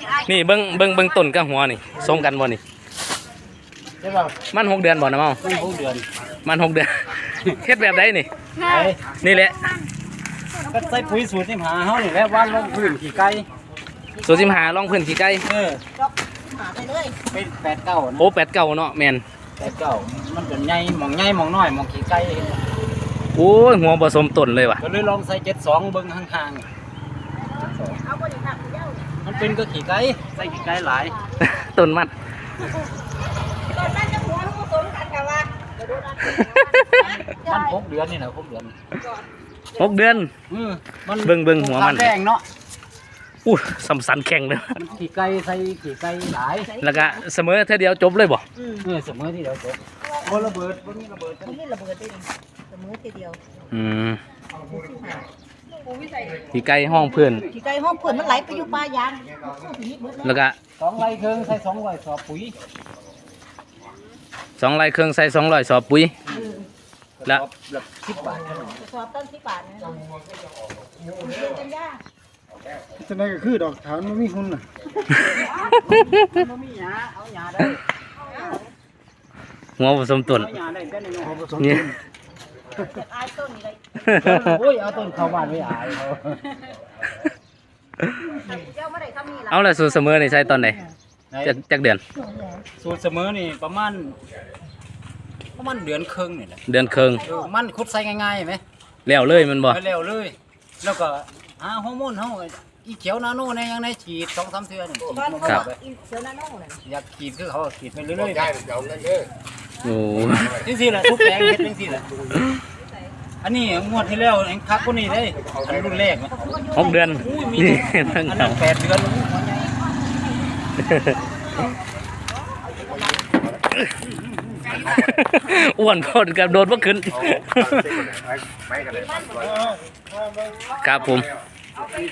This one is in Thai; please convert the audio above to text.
นี่เบิ้งต้นกับหัวนี่ทรงกันบ่นี่ใช่ป่ะมัน6 เดือนบ่นะเมามัน6 เดือนมัน6 เดือนเฮ็ดแบบใดนี่นี่แหละก็ใส่ปุ๋ยสูตร15เฮานี่แหละวางลงพื้นขี้ไก่สูตร15ลองพื้นขี้ไก่หาไปเลยเป็น8-9นะโอ้8-9เนาะแม่น 8-9มันก็ใหญ่หม่องน้อยหม่องขี้ไก่โอ้ยหัวผสมต้นเลยว่ะก็เลยลองใส่72เบิ่งห่างเอาบริษัทเดียวๆมันเป็นก็ขี้ไก่ใส่ขี้ไก่หลายต้นมัดตอนนั้นจะหัวผสมกันกับว่ามัน6 เดือนนี่นะ6 เดือน 6 เดือนมันเบิ่งหัวมันแดงเนาะอู้สำสันแข็งเลยขี้ไก่ใส่ขี้ไก่หลายแล้วก็เสมอเท่าเดียวจบเลยบ่เสมอที่เดียวจบบ่ระเบิดบ่มีระเบิดมันไม่ระเบิดได้เสมอทีเดียวขี้ไก่ห้องเพื่อนขี้ไก่ห้องเพื่อนมันไหลไปอยู่ปลายางแล้วก็ 2 ไร่ครึ่งใส่200 สอบปุ๋ย 2 ไร่ครึ่งใส่200 สอบปุ๋ยแล้ว 10 บาทสอบต้น10 บาทนะกันยาจะได้ก็คือดอกฐานมันมีหุ่นน่ะมันมีหญ้าเอาหญ้าได้หัวผสมต้นหญ้าได้แต่ในหัวผสมนี่อายต้นนี่เลยโอ้ยเอาต้นเข้าบ้านไว้อายเขาเอาละสูตรเสมอนี่ใช้ตอนไหนจักเดือนสูตรเสมอนี่ประมาณเดือนครึ่งนี่แหละเดือนครึ่งมันขุดใส่ง่ายๆไหมแล้วเลยมันบ่แล้วเลยแล้วก็หาฮอร์โมนเฮาอีเขียวนาโนในยังในฉีด 2-3 เทื่อนี่ครับเขียวนาโนน่ะอยากฉีดคือเขาฉีดไปเรื่อยๆโอ้จังซี่แหละทุกแปลงเฮ็ดจังซี่แหละอันนี้งวดที่แล้วเองคักกว่านี้ได้อันรุ่นแรก 6 เดือนนี่อันนั้น8 เดือนอ้วนคนกับโดนบ่ขึ้นครับผม